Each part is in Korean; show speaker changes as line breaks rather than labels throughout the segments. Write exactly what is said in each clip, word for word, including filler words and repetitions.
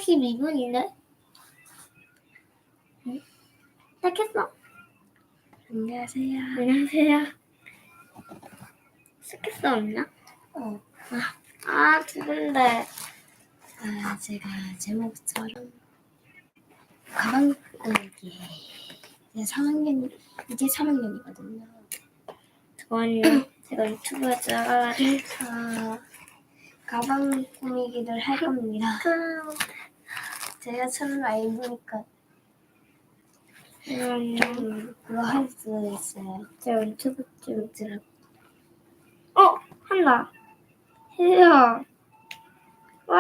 삼십이 분인데? 응? 시작했어.
안녕하세요.
안녕하세요. 시작했어, 없나?
어.
아, 아, 두근데.
아, 제가 제목처럼 가방 꾸미기. 이제 삼 학년, 이제 삼 학년이거든요.
저는요, 제가 유튜브에서
아, 가방 꾸미기를 할 겁니다. 제가 처음 알고니까
음,
그거 할 수 있어요.
제가 유튜브 좀 들어. 어, 한다. 해요. 와,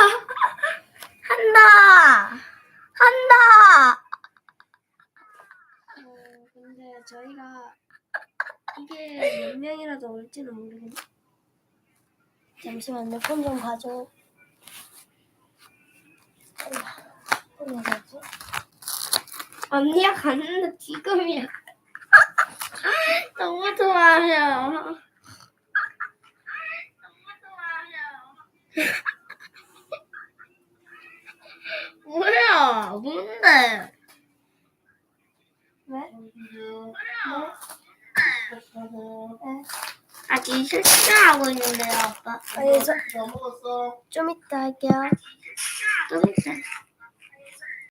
한다. 한다.
어, 근데 저희가 이게 몇 명이라도 올지는 모르겠네. 잠시만요. 폰 좀 가져. 폰 어디지?
언니가 갔는데 지금이야. 너무 좋아요. 너무 좋아요. 뭐야? 뭔데?
왜? 네?
아직 실수하고 있는데요, 아빠.
아니, 저,
다 먹었어?
좀 이따 할게요.
좀 있어.